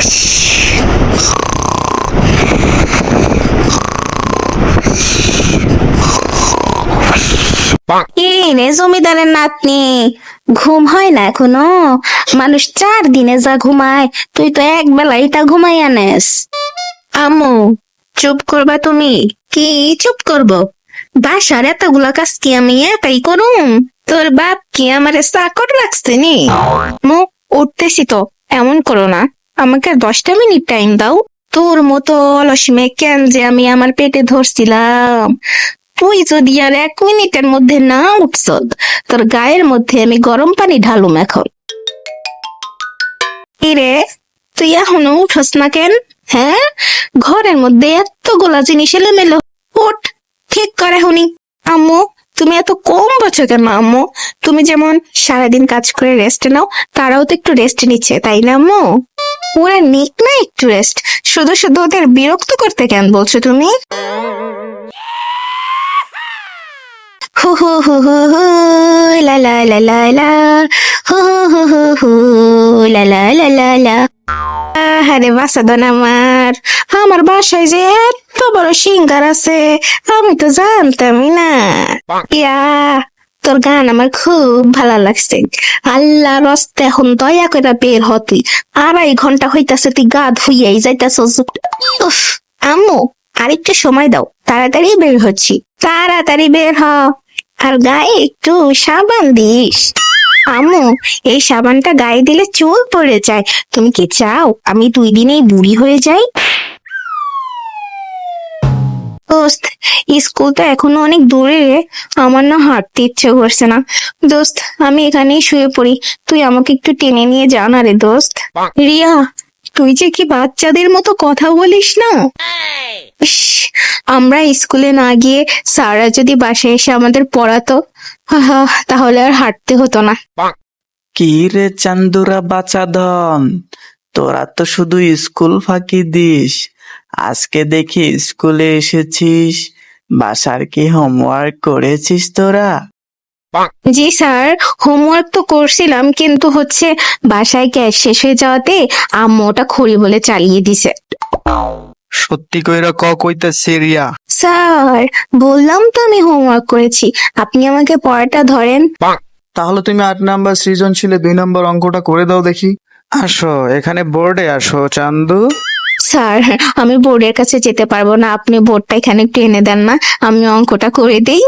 কি রে জমিদারের নাতনি, ঘুম হয় না এখনো? মানুষ 4 দিনে যা ঘুমায়, তুই তো এক বেলায় তা ঘুমাই আনেস। আম্মু, চুপ করবা তুমি? কি চুপ করবো? বাসার এতগুলা কাজ কি আমি একাই করুম? তোর বাপ কি আমারে চাকর রাখছে নি? মুখ উঠতেছি তো, এমন করো না। আমাকে 10টা মিনিট টাইম দাও। তোর মতো অলস মেয়ে কেন যে আমি আমার পেটে ধরছিলাম। তুই যদি আর 1 মিনিটের মধ্যে না উঠছ, তোর গায়ের মধ্যে আমি গরম পানি ঢালুম এখন। রে, তুই এখনো উঠস না কেন? হ্যাঁ, ঘরের মধ্যে এতগুলা জিনিস এলোমেলো। উঠ, ঠিক করে হুনি। আম্মু, তুমি এত কম বোঝো কেন আম্মু? তুমি যেমন সারাদিন কাজ করে রেস্ট নাও, তারাও তো একটু রেস্ট নিচ্ছে, তাই না আম্মু? ওরা নিক না একটু রেস্ট, শুধু শুধু ওদের বিরক্ত করতে কেন বলছো তুমি? হু হু হু হু হু, লা লা লা লা লা, হু হু হু হু হু, লা লা লা লা লা। আরে বাসাদন আমার বাসায় যে এত বড় সিঙ্গার আছে, আমি তো জানতামই না। ইয়া, তোর গান আমার খুব ভালো লাগছে। আল্লাহ রস্তে এখন দয়া করে বের হতি। 2.5 ঘন্টা হইতাছে তুই গা ধুইয়াই যাইতাছস। উফ, আম্মু, আরেকটু সময় দাও, তাড়াতাড়ি বের হচ্ছি। তাড়াতাড়ি বের হ, আর গায়ে একটু সাবান দিস। আম্মু, এই সাবানটা গায়ে দিলে চুল পড়ে যায়। তুমি কি চাও আমি 2 দিনেই বুড়ি হয়ে যাই? দোস্ত, স্কুল তো এখনো অনেক দূরে রে। আমার না হাঁটতে ইচ্ছে করছে না। দোস্ত, আমি এখানেই শুয়ে পড়ি, তুই আমাকে একটু টেনে নিয়ে যা না রে দোস্ত। রিয়া, তুই যে কি বাচ্চাদের মতো কথা বলিস না। ইস, আমরা স্কুলে না গিয়ে স্যাররা যদি বাসায় এসে আমাদের পড়াতো, আহা, তাহলে আর হাঁটতে হতো না। কি রে চান্দুরা বাচাধন, তোরা তো শুধু স্কুল ফাঁকি দিস। আজকে দেখি স্কুলে এসেছিস, বাসার কি হোমওয়ার্ক করেছিস তোরা? জি স্যার, হোমওয়ার্ক তো করছিলাম, কিন্তু বাসায় গ্যাস শেষ হয়ে যাওয়াতে আম্মু ওটা খড়ি বলে চালিয়ে দিছে। সত্যি কইরা কইতাছে রিয়া। স্যার, বললাম তো আমি হোমওয়ার্ক করেছি, আপনি আমাকে পড়াটা ধরেন। তাহলে তুমি 8 নাম্বার সৃজনশীলে 2 নম্বর অঙ্কটা করে দাও দেখি। আসো এখানে বোর্ডে আসো চান্দু। স্যার, আমি বোর্ডের কাছে যেতে পারবো না, আপনি বোর্ডটা এখানে একটু এনে দেন না, আমি অঙ্কটা করে দেই।